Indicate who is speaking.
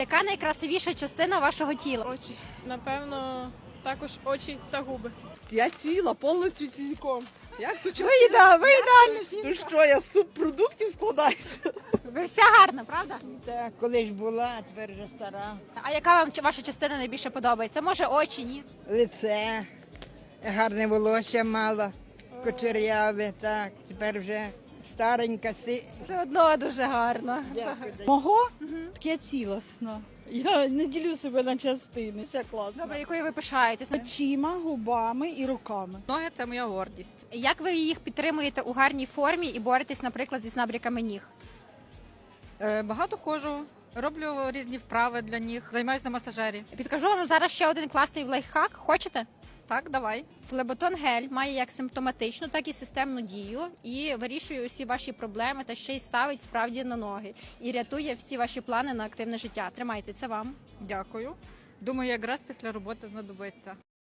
Speaker 1: Яка найкрасивіша частина вашого тіла?
Speaker 2: Очі. Напевно, також очі та губи.
Speaker 3: Я ціла, повністю цілком. Як тут
Speaker 1: Ви ідеально.
Speaker 3: Ну що, я з субпродуктів складаюся?
Speaker 1: Ви вся гарна, правда?
Speaker 4: Так, колись була, а тепер вже стара.
Speaker 1: А яка вам ваша частина найбільше подобається? Може, очі, ніс?
Speaker 4: Лице, гарне волосся мала, кучеряве, так, тепер вже старенька.
Speaker 1: Все одно дуже гарно.
Speaker 5: Мого таке цілосно. Я не ділю себе на частини, все класно.
Speaker 1: Добре, якою ви пишаєтесь?
Speaker 5: Очима, губами і руками.
Speaker 6: Ноги – це моя гордість.
Speaker 1: Як ви їх підтримуєте у гарній формі і боретесь, наприклад, із набряками ніг?
Speaker 6: Багато ходжу, роблю різні вправи для ніг, займаюся на масажері.
Speaker 1: Підкажу вам зараз ще один класний лайфхак. Хочете?
Speaker 6: Так, давай.
Speaker 1: Флеботон гель має як симптоматичну, так і системну дію і вирішує усі ваші проблеми та ще й ставить справді на ноги і рятує всі ваші плани на активне життя. Тримайте, це вам.
Speaker 6: Дякую. Думаю, якраз після роботи знадобиться.